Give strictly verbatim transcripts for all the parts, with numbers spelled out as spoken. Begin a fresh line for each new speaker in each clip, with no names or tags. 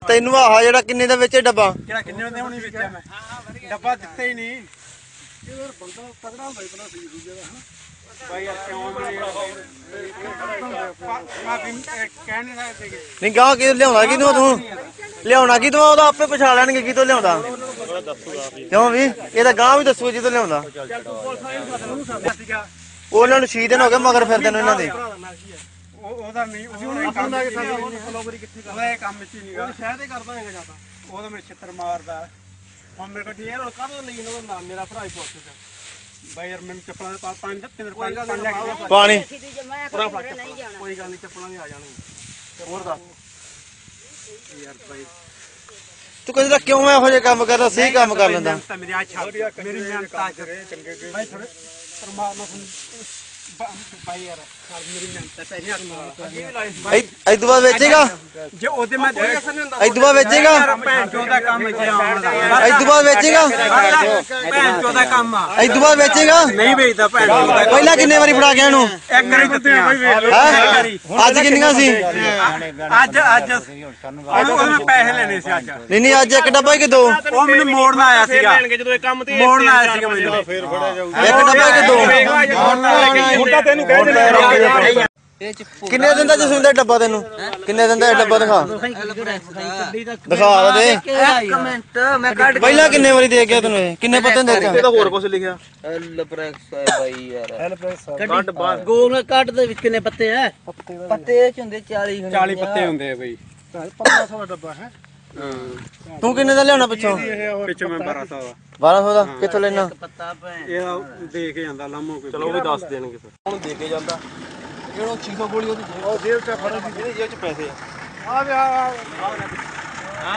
ਤੈਨੂੰ ਆਹ ਜਿਹੜਾ ਕਿੰਨੇ ਦਾ ਵੇਚੇ ਡੱਬਾ?
ਕਿਹੜਾ ਕਿੰਨੇ ਦਾ ਹੁਣੀ ਵੇਚਿਆ ਮੈਂ ਡੱਬਾ ਦਿੱਤਾ ਹੀ ਨਹੀਂ। ਇਹ ਯਾਰ ਬੰਦਾ ਤਗੜਾ ਹੁੰਦਾ ਇਤਨਾ ਸਹੀ ਦੂਜੇ ਦਾ ਹਨਾ ਭਾਈ ਯਾਰ ਕਿਉਂ ਨਹੀਂ ਕਹਿ ਨਹੀਂ ਸਕਦੇ
ਨਹੀਂ ਗਾਹ ਕਿ ਲਿਆਉਣਾ ਕਿਦੋਂ ਤੂੰ ਲਿਆਉਣਾ ਕੀ ਤੂੰ ਉਹਦਾ ਆਪੇ ਪਛਾਣ ਲੈਣਗੇ ਕਿਤੋਂ ਲਿਆਉਂਦਾ ਕਿਉਂ ਵੀ ਇਹ ਤਾਂ ਗਾਹ ਵੀ ਦੱਸੂ ਜਿੱਦੋਂ ਲਿਆਉਂਦਾ। ਉਹਨਾਂ ਨੂੰ ਛੇ ਦਿਨ ਹੋ ਗਏ ਮਗਰ ਫਿਰਦੇ ਨੂੰ ਇਹਨਾਂ ਦੇ।
ਉਹਦਾ ਨਹੀਂ ਉਹਨੇ ਕੰਮ ਉਹਦਾ ਇਹ ਕੰਮ ਵਿੱਚ ਹੀ ਨਹੀਂਗਾ ਸ਼ਾਇਦ ਹੀ ਕਰਦਾ ਹੈਗਾ ਜਿਆਦਾ ਉਹਦਾ ਮੇਰੇ ਛਿੱਤਰ ਮਾਰਦਾ ਹੁਣ ਮੇਰੇ ਕੋਲ ਯਾਰ ਕਾਹਦੋਂ ਲਈ ਇਹਨਾਂ ਦਾ ਨਾਮ ਮੇਰਾ ਭਰਾ ਹੀ ਪੁੱਛਦਾ ਬਾਈ ਯਾਰ ਮੈਨੂੰ ਚੱਪਲਾਂ ਦੇ ਪੰਜ ਪੰਜ ਤਿੰਨ ਪੰਜ ਪੰਜ ਲੈ ਕੇ
ਪਾਣੀ
ਪੂਰਾ ਫੜ ਕੋਈ ਗੱਲ ਨਹੀਂ ਚੱਪਲਾਂ ਵੀ ਆ ਜਾਣਗੀਆਂ ਹੋਰ ਦੱਸ ਯਾਰ ਬਾਈ
ਤੂੰ ਕਹਿੰਦਾ ਕਿਉਂ ਇਹੋ ਜਿਹੇ ਕੰਮ ਕਰਦਾ ਸਹੀ ਕੰਮ ਕਰ ਲੈਂਦਾ।
ਮੇਰੀ ਆ ਛੱਡ ਮੇਰੀ ਮਿਹਨਤ ਆ ਚੰਗੇ ਬਾਈ ਥੋੜੇ ਪਰਮਾਤਮਾ ਬਾਈ ਯਾਰ ਮੇਰੀ ਮਿਹਨਤ ਪੈਸੇ ਆ
ਇਸ ਤੋਂ ਬਾਅਦ ਵੇਚੇਗਾ
ਜੇ ਉਹਦੇ ਮੈਂ
ਇਸ ਤੋਂ ਬਾਅਦ ਵੇਚੇਗਾ
ਭੈਣ ਚੋਂ ਦਾ ਕੰਮ ਜੇ ਆਉਣ
ਇਸ ਤੋਂ ਬਾਅਦ ਵੇਚੇਗਾ
ਭੈਣ ਚੋਂ ਦਾ ਕੰਮ ਆ
ਇਸ ਤੋਂ ਬਾਅਦ ਵੇਚੇਗਾ
ਨਹੀਂ ਵੇਚਦਾ ਭੈਣ ਚੋਂ ਦਾ
ਪਹਿਲਾਂ ਕਿੰਨੇ ਵਾਰੀ ਫੜਾ ਗਿਆ ਇਹਨੂੰ?
ਇੱਕ ਵਾਰੀ ਦਿੱਤੀਆਂ ਬਾਈ
ਅੱਜ ਕਿੰਨੀਆਂ ਸੀ?
ਅੱਜ ਅੱਜ ਉਹਨੂੰ ਉਹਨੂੰ ਪੈਸੇ ਲੈਣੇ ਸੀ ਅੱਜ
ਨਹੀਂ ਨਹੀਂ ਅੱਜ ਇੱਕ ਡੱਬਾ ਕਿ ਦੋ?
ਉਹ ਮੈਨੂੰ ਮੋੜਨ ਆਇਆ ਸੀਗਾ ਜਦੋਂ ਇਹ ਕੰਮ ਤੇ ਮੋੜਨ ਆਇਆ ਸੀਗਾ ਮੈਨੂੰ ਫੇਰ ਫੜਿਆ ਜਾਊਗਾ
ਇੱਕ ਡੱਬਾ ਕਿ ਦੋ?
ਹੁਣ ਤਾਂ ਤੈਨੂੰ ਕਹਿ ਦਿੰਦੇ
ਕਿੰਨੇ ਦਿਨ ਦਾ ਜਸਵਿੰਦਰ ਡੱਬਾ ਤੈਨੂੰ ਕਿੰਨੇ ਦਿਨ ਦਾ ਇਹ ਡੱਬਾ ਦਿਖਾ ਦਿਖਾ ਦੇ
ਇੱਕ ਮਿੰਟ ਮੈਂ ਕੱਢ
ਪਹਿਲਾਂ ਕਿੰਨੇ ਵਾਰੀ ਦੇ ਗਿਆ ਤੈਨੂੰ ਇਹ ਕਿੰਨੇ ਪੱਤੇ ਦੇ
ਇਹ ਤਾਂ ਹੋਰ ਕੁਝ ਲਿਖਿਆ
ਐਲ ਪ੍ਰੈਸ ਹੈ ਬਾਈ ਯਾਰ
ਕੱਢ ਬਾਹਰ
ਗੋਲ ਕੱਢ ਦੇ ਵਿੱਚ ਕਿੰਨੇ ਪੱਤੇ ਐ ਪੱਤੇ ਚ ਹੁੰਦੇ ਚਾਲੀ
ਚਾਲੀ ਪੱਤੇ ਹੁੰਦੇ ਆ ਬਈ ਪੰਦਰਾਂ ਸੌ ਦਾ ਡੱਬਾ ਹੈ
ਤੂੰ ਕਿੰਨੇ ਦਾ ਲਿਆਉਣਾ ਪਿੱਛੋਂ?
ਪਿੱਛੋਂ ਮੈਂ ਬਾਰਾਂ ਸੌ ਦਾ
ਬਾਰਾਂ ਸੌ ਦਾ ਕਿੱਥੋਂ ਲੈਣਾ?
ਪੱਤਾ ਭੈਣ
ਇਹ ਦੇ ਕੇ ਜਾਂਦਾ ਲਾਮੋ ਕੋਈ
ਚਲੋ ਉਹ ਵੀ ਦੱਸ ਦੇਣਗੇ ਫਿਰ ਉਹਨੂੰ ਦੇ ਕੇ ਜਾਂਦਾ ਜਿਹੜਾ ਛੇ ਸੌ ਗੋਲੀ ਉਹਦੀ ਜੇਬ
ਉਹ ਜੇਬ ਚ ਫੜੋ
ਇਹਦੀ ਜੇਬ ਚ ਪੈਸੇ ਆ
ਆ ਵੇ ਆ ਹਾਂ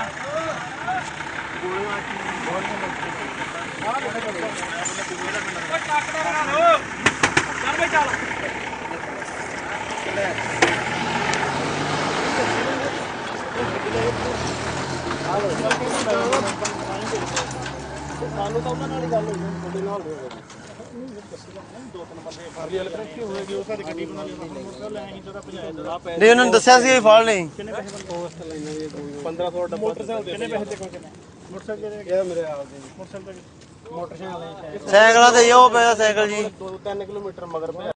ਸਾਨੂੰ ਤਾਂ ਉਹਨਾਂ ਨਾਲ ਹੀ ਗੱਲ ਹੋਈ ਤੁਹਾਡੇ ਨਾਲ ਦੋ ਤਿੰਨ ਬੰਦੇ ਫੜ ਲਈ ਇਲੈਕਟ੍ਰਿਕ ਹੋਏਗੀ ਉਹ ਸਾਡੀ ਗੱਡੀ ਬਣਾ ਲਈ ਮੋਟਰਸਾਈਕਲ ਲੈ ਆਈ ਜਦੋਂ ਭਜਾਇਆ
ਨਹੀਂ ਉਹਨਾਂ ਨੇ ਦੱਸਿਆ ਸੀ ਇਹ ਫੜ ਲਈ
ਕਿੰਨੇ ਪੈਸੇ ਪੋਸਟ ਲੈਣਾ ਵੀ ਪੰਦਰਾਂ ਸੌ ਡੱਬਾ ਮੋਟਰਸਾਈਕਲ ਕਿੰਨੇ ਪੈਸੇ ਦੇ ਕੋਲ ਮੋਟਰਸਾਈਕਲ ਇਹ ਮੇਰੇ ਆਪ ਦੇ ਮੋਟਰਸਾਈਕਲ ਮੋਟਰਸਾਈਕਲ
ਸਾਈਕਲਾਂ ਤੇ ਉਹ ਪਿਆ ਸਾਈਕਲ ਜੀ
ਦੋ ਤਿੰਨ ਕਿਲੋਮੀਟਰ ਮਗਰ ਪਿਆ